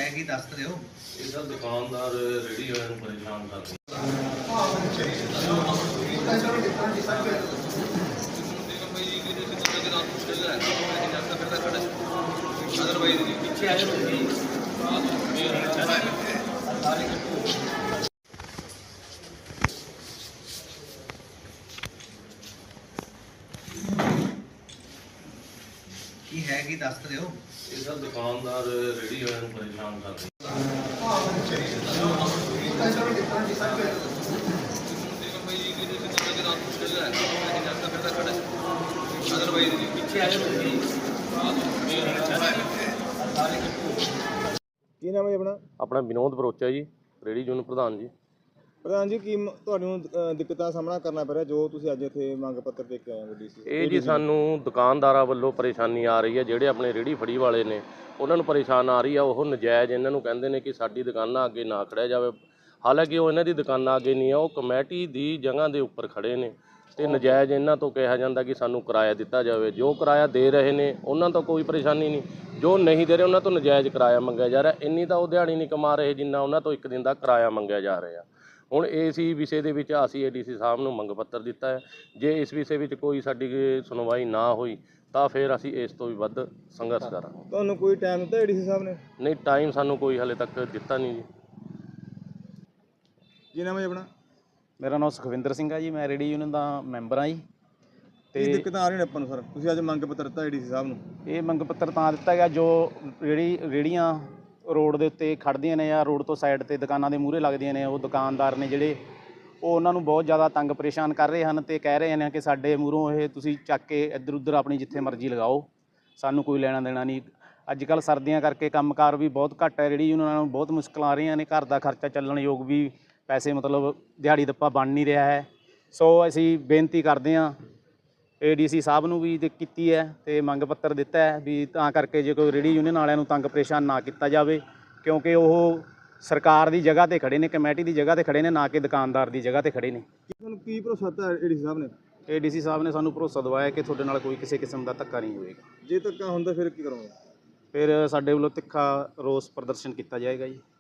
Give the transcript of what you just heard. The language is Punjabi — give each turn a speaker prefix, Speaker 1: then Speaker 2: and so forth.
Speaker 1: है कि दस तो दिओ।
Speaker 2: ਇਹ ਤਾਂ ਦੁਕਾਨਦਾਰ ਰੇਹੜੀ ਵਾਲਿਆਂ ਨੂੰ ਪਰੇਸ਼ਾਨ ਕਰਦੇ।
Speaker 1: की है कि दस तो दिओ।
Speaker 2: ਇਹ ਤਾਂ ਦੁਕਾਨਦਾਰ ਰੇਹੜੀ ਵਾਲਿਆਂ ਨੂੰ ਪਰੇਸ਼ਾਨ ਕਰਦੇ।
Speaker 3: ਕੀ ਨਾਮ ਹੈ ਜੀ ਆਪਣਾ?
Speaker 2: ਆਪਣਾ ਵਿਨੋਦ ਬਰੋਚਾ ਜੀ, ਰੇਹੜੀ ਯੂਨੀਅਨ ਪ੍ਰਧਾਨ ਜੀ।
Speaker 3: ਪ੍ਰਧਾਨ ਜੀ, ਕੀ ਤੁਹਾਨੂੰ ਦਿੱਕਤਾਂ ਦਾ ਸਾਹਮਣਾ ਕਰਨਾ ਪੈ ਰਿਹਾ ਜੋ ਤੁਸੀਂ ਅੱਜ ਇੱਥੇ ਮੰਗ ਪੱਤਰ ਦੇ ਕੇ ਆਏ ਹੋ ਡੀਸੀ?
Speaker 2: ਇਹ ਜੀ ਸਾਨੂੰ ਦੁਕਾਨਦਾਰਾਂ ਵੱਲੋਂ ਪਰੇਸ਼ਾਨੀ ਆ ਰਹੀ ਹੈ, ਜਿਹੜੇ ਆਪਣੇ ਰੇਹੜੀ ਫੜੀ ਵਾਲੇ ਨੇ ਉਹਨਾਂ ਨੂੰ ਪਰੇਸ਼ਾਨ ਆ ਰਹੀ ਆ। ਉਹ ਨਜਾਇਜ਼ ਇਹਨਾਂ ਨੂੰ ਕਹਿੰਦੇ ਨੇ ਕਿ ਸਾਡੀ ਦੁਕਾਨਾਂ ਅੱਗੇ ਨਾ ਖੜਿਆ ਜਾਵੇ। ਹਾਲਾਂਕਿ ਉਹ ਇਹਨਾਂ ਦੀ ਦੁਕਾਨਾਂ ਅੱਗੇ ਨਹੀਂ ਆ, ਉਹ ਕਮੇਟੀ ਦੀ ਜਗ੍ਹਾ ਦੇ ਉੱਪਰ ਖੜੇ ਨੇ ਤੇ ਨਜਾਇਜ਼ ਇਹਨਾਂ ਤੋਂ ਕਿਹਾ ਜਾਂਦਾ ਕਿ ਸਾਨੂੰ ਕਿਰਾਇਆ ਦਿੱਤਾ ਜਾਵੇ। ਜੋ ਕਿਰਾਇਆ ਦੇ ਰਹੇ ਨੇ ਉਹਨਾਂ ਤੋਂ ਕੋਈ ਪਰੇਸ਼ਾਨੀ ਨਹੀਂ, ਜੋ ਨਹੀਂ ਦੇ ਰਹੇ ਉਹਨਾਂ ਤੋਂ ਨਜਾਇਜ਼ ਕਿਰਾਇਆ ਮੰਗਿਆ ਜਾ ਰਿਹਾ। ਇੰਨੀ ਤਾਂ ਉਹ ਦਿਹਾੜੀ ਨਹੀਂ ਕਮਾ ਰਹੇ ਜਿੰਨਾ ਉਹਨਾਂ ਤੋਂ ਇੱਕ ਦਿਨ ਦਾ ਕਿਰਾਇਆ ਮੰਗਿਆ ਜਾ ਰਿਹਾ। ਹੁਣ ਇਸ ਹੀ ਵਿਸ਼ੇ ਦੇ ਵਿੱਚ ਅਸੀਂ ਏਡੀਸੀ ਸਾਹਿਬ ਨੂੰ ਮੰਗ ਪੱਤਰ ਦਿੱਤਾ ਹੈ। ਜੇ ਇਸ ਵਿਸ਼ੇ ਵਿੱਚ ਕੋਈ ਸਾਡੀ ਸੁਣਵਾਈ ਨਾ ਹੋਈ ਤਾਂ ਫਿਰ ਅਸੀਂ ਇਸ ਤੋਂ ਵੀ ਵੱਧ ਸੰਘਰਸ਼ ਕਰਾਂਗੇ।
Speaker 3: ਤੁਹਾਨੂੰ ਕੋਈ ਟਾਈਮ ਦਿੱਤਾ ਏਡੀਸੀ ਸਾਹਿਬ ਨੇ?
Speaker 2: ਨਹੀਂ, ਟਾਈਮ ਸਾਨੂੰ ਕੋਈ ਹਾਲੇ ਤੱਕ ਦਿੱਤਾ ਨਹੀਂ ਜੀ।
Speaker 3: ਕੀ ਨਾਮ ਹੈ ਜੀ ਆਪਣਾ?
Speaker 4: ਮੇਰਾ ਨਾਮ ਸੁਖਵਿੰਦਰ ਸਿੰਘ ਹੈ ਜੀ, ਮੈਂ ਰੇਹੜੀ ਯੂਨੀਅਨ ਦਾ ਮੈਂਬਰ ਹਾਂ ਜੀ।
Speaker 3: ਕੀ ਦਿੱਕਤਾਂ ਆ ਰਹੀਆਂ ਨੇ ਆਪਾਂ ਨੂੰ ਸਰ? ਤੁਸੀਂ ਅੱਜ ਮੰਗ ਪੱਤਰ ਦਿੱਤਾ ਏਡੀਸੀ ਸਾਹਿਬ ਨੂੰ?
Speaker 4: ਇਹ ਮੰਗ ਪੱਤਰ ਤਾਂ ਦਿੱਤਾ ਗਿਆ ਜੋ ਰੇਹੜੀਆਂ ਰੋਡ ਦੇ ਉੱਤੇ ਖੜ੍ਹਦੀਆਂ ਨੇ ਜਾਂ ਰੋਡ ਤੋਂ ਸਾਈਡ 'ਤੇ ਦੁਕਾਨਾਂ ਦੇ ਮੂਹਰੇ ਲੱਗਦੀਆਂ ਨੇ, ਉਹ ਦੁਕਾਨਦਾਰ ਨੇ ਜਿਹੜੇ ਉਹ ਉਹਨਾਂ ਨੂੰ ਬਹੁਤ ਜ਼ਿਆਦਾ ਤੰਗ ਪਰੇਸ਼ਾਨ ਕਰ ਰਹੇ ਹਨ ਅਤੇ ਕਹਿ ਰਹੇ ਨੇ ਕਿ ਸਾਡੇ ਮੂਹਰੋਂ ਇਹ ਤੁਸੀਂ ਚੱਕ ਕੇ ਇੱਧਰ ਉੱਧਰ ਆਪਣੀ ਜਿੱਥੇ ਮਰਜ਼ੀ ਲਗਾਓ, ਸਾਨੂੰ ਕੋਈ ਲੈਣਾ ਦੇਣਾ ਨਹੀਂ। ਅੱਜ ਕੱਲ੍ਹ ਸਰਦੀਆਂ ਕਰਕੇ ਕੰਮਕਾਰ ਵੀ ਬਹੁਤ ਘੱਟ ਹੈ, ਰੇਹੜੀ ਯੂਨੀਅਨਾਂ ਨੂੰ ਬਹੁਤ ਮੁਸ਼ਕਲਾਂ ਆ ਰਹੀਆਂ ਨੇ, ਘਰ ਦਾ ਖਰਚਾ ਚੱਲਣ ਯੋਗ ਵੀ ਪੈਸੇ ਮਤਲਬ ਦਿਹਾੜੀ ਦੱਪਾ ਬਣ ਨਹੀਂ ਰਿਹਾ ਹੈ। ਸੋ ਅਸੀਂ ਬੇਨਤੀ ਕਰਦੇ ਹਾਂ ਏਡੀਸੀ ਸਾਹਿਬ ਨੂੰ ਵੀ ਕੀਤੀ ਹੈ ਅਤੇ ਮੰਗ ਪੱਤਰ ਦਿੱਤਾ ਹੈ ਵੀ ਤਾਂ ਕਰਕੇ ਜੇ ਕੋਈ ਰੇਹੜੀ ਯੂਨੀਅਨ ਵਾਲਿਆਂ ਨੂੰ ਤੰਗ ਪਰੇਸ਼ਾਨ ਨਾ ਕੀਤਾ ਜਾਵੇ, ਕਿਉਂਕਿ ਉਹ ਸਰਕਾਰ ਦੀ ਜਗ੍ਹਾ 'ਤੇ ਖੜ੍ਹੇ ਨੇ, ਕਮੇਟੀ ਦੀ ਜਗ੍ਹਾ 'ਤੇ ਖੜ੍ਹੇ ਨੇ, ਨਾ ਕਿ ਦੁਕਾਨਦਾਰ ਦੀ ਜਗ੍ਹਾ 'ਤੇ ਖੜ੍ਹੇ ਨੇ।
Speaker 3: ਤੁਹਾਨੂੰ ਕੀ ਭਰੋਸਾ ਦਿੱਤਾ ਏਡੀਸੀ ਸਾਹਿਬ ਨੇ?
Speaker 4: ਏਡੀਸੀ ਸਾਹਿਬ ਨੇ ਸਾਨੂੰ ਭਰੋਸਾ ਦਿਵਾਇਆ ਕਿ ਤੁਹਾਡੇ ਨਾਲ ਕੋਈ ਕਿਸੇ ਕਿਸਮ ਦਾ ਧੱਕਾ ਨਹੀਂ ਹੋਵੇਗਾ।
Speaker 3: ਜੇ ਧੱਕਾ ਹੁੰਦਾ ਫਿਰ ਕੀ ਕਰੋਗੇ?
Speaker 4: ਫਿਰ ਸਾਡੇ ਵੱਲੋਂ ਤਿੱਖਾ ਰੋਸ ਪ੍ਰਦਰਸ਼ਨ ਕੀਤਾ ਜਾਏਗਾ ਜੀ।